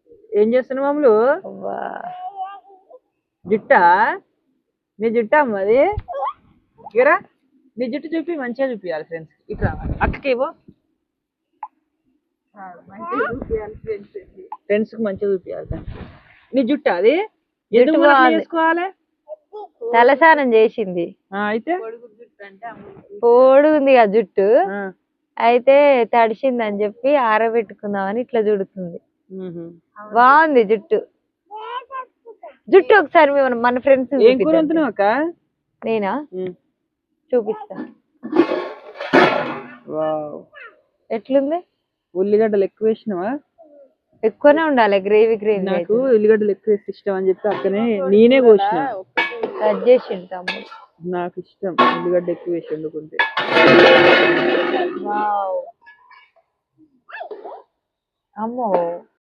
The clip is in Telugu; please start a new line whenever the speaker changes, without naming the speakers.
ఏం చేస్తున్నావు మామూలు?
అవ్వా.
జుట్టా? నీ జుట్టా అమ్మ అది? ఇరా నీ జుట్టు చూపి, మంచిగా చూపియాలి ఫ్రెండ్స్. ఇట్లా అక్కకి ఇవ్వు. ఫ్రెండ్స్ కి మంచిగా చూపియాలి. నీ జుట్టు అది ఎందుకు మనం అట్లా చేసుకోవాలి?
తలస్నానం చేసింది
అయితే
పొడుగుంది ఆ జుట్టు, అయితే తడిసింది అని చెప్పి ఆరబెట్టుకుందామని ఇట్లా చుడుతుంది. బాగుంది జుట్టు. జుట్టు ఒకసారి మన ఫ్రెండ్స్
ఏం కూర వండుతున్నావు అక్క?
నేనా చూపిస్తా. ఎట్లుంది?
ఉల్లిగడ్డలు ఎక్కువ వేసినావా?
ఎక్కువనే ఉండాలి, గ్రేవీ గ్రేవీ.
నాకు ఉల్లిగడ్డలు ఎక్కువ వేసి ఇష్టం అని చెప్పి అక్కనే నేనే కోసిన.
కట్ చేసిండు తమ్ముడు.
నాకు ఇష్టం ఉల్లిగడ్డ ఎక్కువ వేసి వండుకుంటే.
అమ్మో